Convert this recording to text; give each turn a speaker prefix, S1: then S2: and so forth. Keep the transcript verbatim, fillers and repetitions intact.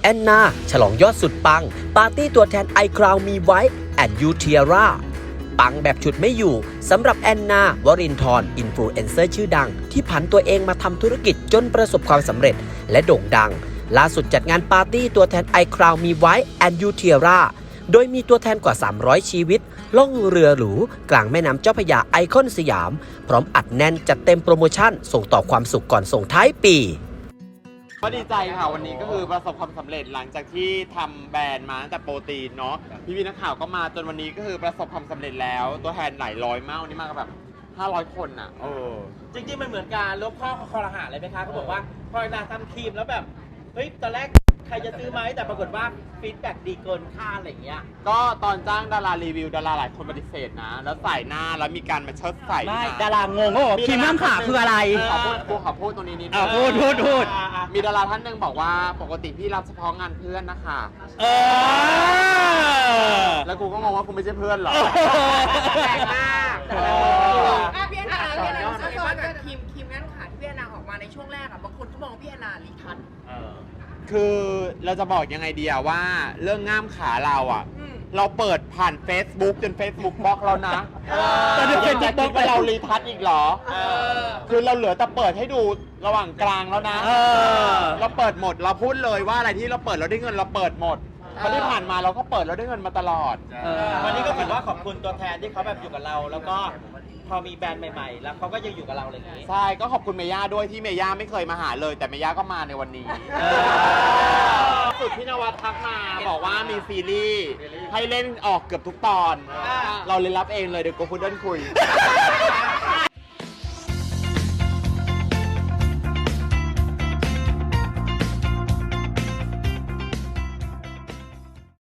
S1: แอนนาฉลองยอดสุดปังปาร์ตี้ตัวแทนไอคราวมีไว้แอนยูเทียร่าปังแบบฉุดไม่อยู่สำหรับแอนนาวรินทร์อินฟลูเอนเซอร์ชื่อดังที่ผันตัวเองมาทำธุรกิจจนประสบความสำเร็จและโด่งดังล่าสุดจัดงานปาร์ตี้ตัวแทนไอคราวมีไว้แอนยูเทียร่าโดยมีตัวแทนกว่าสามร้อยชีวิตล่องเรือหรูกลางแม่น้ำเจ้าพระยาไอคอนสยามพร้อมอัดแน่นจัดเต็มโปรโมชั่นส่งต่อความสุขก่อนส่งท้ายปี
S2: ก็ดีใจค่ะวันนี้ก็คือประสบความสำเร็จหลังจากที่ทำแบรนด์มาตั้งแต่โปรตีนเนาะพี่พี่นักข่าวก็มาจนวันนี้ก็คือประสบความสำเร็จแล้วตัวแทนหลายร้อยมากวันนี้มากันแบบห้าร้อยคนอ่ะเออ
S3: จริงๆมันเหมือนการลบข้อคอรหาเลยไหมคะเขาบอกว่าพอนาทำครีมแล้วแบบเฮ้ยตอนแรกใครจะซื้อไหมแต่ปรากฏว่าฟีดแบ็กดีเกินคาดอะไรอย่างเงี้ย
S2: ก็ตอนจ้างดารารีวิวดาราหลายคนปฏิเสธนะแล้วใส่หน้าแล้วมีการมาเชิดใส่
S3: ไม่ดารางงว่าครีมน้ำขาคืออะไร
S2: ขอพูดขอพูดตรงนี้นิดนึง
S3: พูดพูดพูด
S2: มีดาราท่านหนึ่งบอกว่าปกติพี่รับเฉพาะงานเพื่อนนะคะ
S3: เอ
S2: อแล้วกูก็งงว่ากูไม่ใช่เพื่อนหรอ
S4: แปลกมากพี่แอนนาพี่แอนนาซับซ้อนกับทีมทีมงานขาที่พี่แอนนาออกมาในช่วงแรกอ่ะบางคนก็มองพี่แอนนาลีทัศน์
S2: คือเราจะบอกยังไงดีอะว่าเรื่องง่ามขาเราอะเราเปิดผ่าน Facebook จน Facebook บล็อกแล้วนะแต่เดี๋ยวเป็นจะคิดว่าเรารีทัชอีกเหรอคือเราเหลือแต่เปิดให้ดูระหว่างกลางแล้วนะเราเปิดหมดเราพูดเลยว่าอะไรที่เราเปิดเราได้เงินเราเปิดหมดวันที่ผ่านมาเราก็เปิดเราได้เงินมาตลอด
S3: วันนี้ก็ถือว่าขอบคุณตัวแทนที่เขาแบบอยู่กับเราแล้วก็พอมีแบรนด์ใหม่ๆแล้วเขาก็ยังอยู่กับเราอะไรอย่างนี้
S2: ใช่ก็ขอบคุณเมย่าด้วยที่เมย่าไม่เคยมาหาเลยแต่เมย่าก็มาในวันนี้สุดพี่นวัดทักมาบอกว่ามีซีรีส์ให้เล่นออกเกือบทุกตอนเราเลยรับเองเลยเดี๋ยวกูพูดเดินคุย